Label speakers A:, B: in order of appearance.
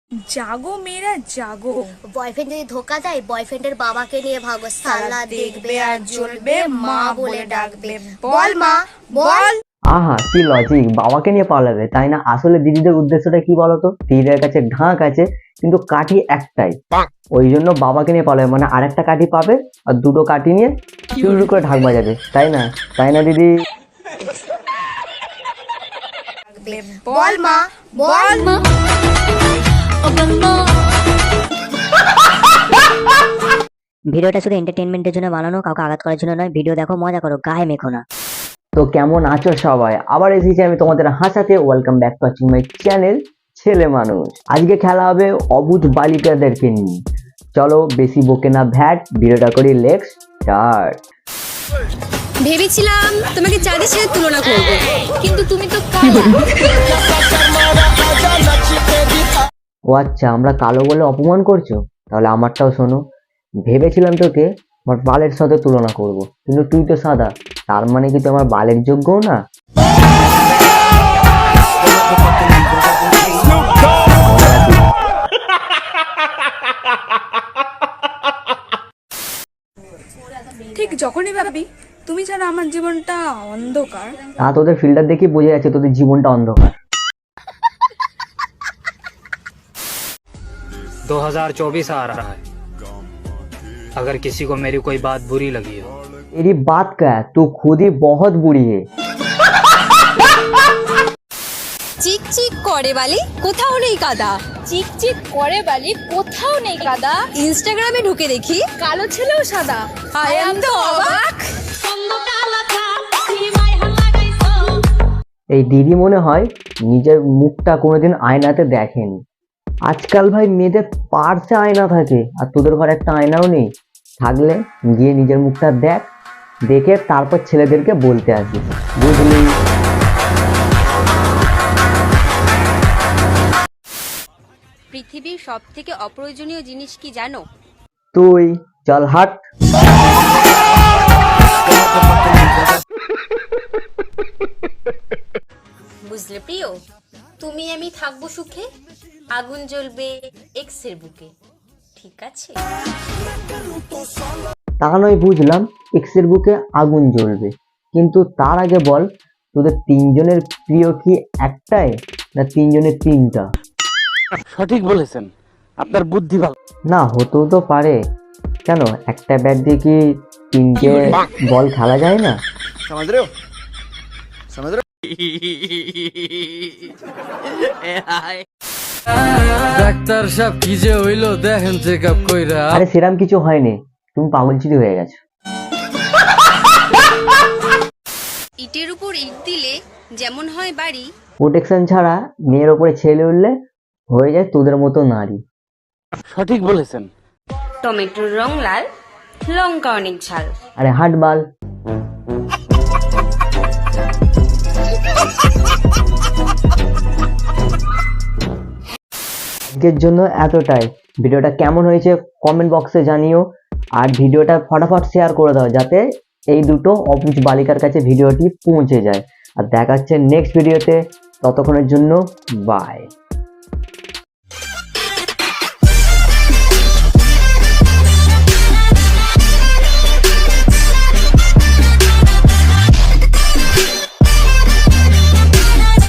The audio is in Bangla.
A: জাগো মেয়েরা জাগো,
B: বয়ফ্রেন্ড যদি ধোকা দেয় বয়ফ্রেন্ডের বাবাকে নিয়ে ভাগো, সালা দেখবে আর জ্বলবে, মা বলে ডাকবে, বল মা বল।
C: আহা কি লজিক, বাবাকে নিয়ে পালাবে তাই না? আসলে দিদিদের উদ্দেশ্যটা কি বলতো, দিদিদের কাছে ঢাক আছে কিন্তু কাঠি একটাই, ওই জন্য বাবাকে নিয়ে পালাবে, মানে আরেকটা কাঠি পাবে আর দুটো কাঠি নিয়ে চুরু করে ঢাক বাজাবে, তাই না? তাই না দিদি?
B: বল মা বল মা।
D: ভিডিওটা শুধু এন্টারটেইনমেন্টের জন্য বানানো, কাউকে আঘাত করার জন্য নয়। ভিডিও দেখো, মজা করো, গায়ে মেখো না।
C: তো কেমন আছো সবাই? আবার এসেছি আমি তোমাদের হাসাতে। Welcome back to watching my channel ছেলে মানুষ। আজকে খেলা হবে অবুধ বালিকাদেরকে নিয়ে। চলো বেশি বকে না ভ্যাট, ভিডিওটা করি, লেটস স্টার্ট।
E: ভেবেছিলাম তোমাকে চাঁদের সাথে তুলনা করব, কিন্তু তুমি তো কালো।
C: ও আচ্ছা, আমরা কালো বলে অপমান করছো? তাহলে আমারটাও শোনো। ভেবেছিলাম তোকে আমার বালের সাথে তুলনা করব, কিন্তু তুই তো সাদা, তার মানে কি তুই আমার বালের যোগ্যও না?
A: ঠিক যখনই ভাবি তুমি ছাড়া আমার জীবনটা অন্ধকার।
C: তা তোদের ফিল্টার দেখে বোঝা যাচ্ছে তোদের জীবনটা অন্ধকার।
F: 2024 आ रहा है, अगर किसी को मेरी कोई बात बुरी लगी हो।
C: तेरी बात क्या है, तू खुद ही बहुत बुरी है।
E: চিক চিক করে বালি, কোথাও নেই কাদা। চিক চিক করে বালি, কোথাও নেই কাদা। ইনস্টাগ্রামে ঢুকে দেখি কালো ছেলেও সাদা। আই এম তো অবাক।
C: এই দিদি মনে হয় নিজের মুখটা কোনোদিন আয়নাতে দেখেনি। আজকাল ভাই মেয়েদের পার্সে আয়না থাকে, আর তোদের ঘরে একটা আয়নাও নেই। থাকলে গিয়ে নিজের মুখটা দেখ, দেখে তারপর ছেলেদেরকে বলতে আসিস, বুঝলি?
E: পৃথিবীর সবথেকে অপ্রয়োজনীয় জিনিস কি জানো?
C: তুই চল হাট।
E: বুঝলে প্রিয়, তুমি আমি থাকবো সুখে, আগুন জ্বলবে এক্সের বুকে, ঠিক আছে?
C: তা নয় বুঝলাম, এক্সের বুকে আগুন জ্বলবে, কিন্তু তার আগে বল তোদের তিনজনের প্রিয় কি একটাই না তিনজনের তিনটা?
G: সঠিক বলেছেন, আপনার বুদ্ধি ভালো।
C: না হতেও তো পারে। কেন, একটা ব্যাট দিয়ে কি তিনটে বল খেলা যায় না?
G: समझ रहे हो समझ रहे हो।
H: ডাক্তার সাহেব কি যে হইলো দেখেন, চেক আপ কইরা।
C: আরে সেরাম কিছু হয়নি, তুমি পাগলচিরি হয়ে গেছো।
E: ইটের উপর ইট দিলে যেমন হয় বাড়ি,
C: প্রোটেকশন ছাড়া মেয়ের ওপরে ছেলে উঠলে হয়ে যায় তোদের মতো নারী।
G: সঠিক বলেছেন।
E: টমেটোর রং লাল, লঙ্কা অনেক ঝাল।
C: আরে হাট বাল। আজকের জন্য এতটাই। ভিডিওটা কেমন হয়েছে কমেন্ট বক্সে জানিও, আর ভিডিওটা ফটাফট শেয়ার করে দাও যাতে এই দুটো অবুঝ বালিকার কাছে ভিডিওটি পৌঁছে যায়। আর দেখা হচ্ছে নেক্সট ভিডিওতে, ততক্ষণের জন্য বাই।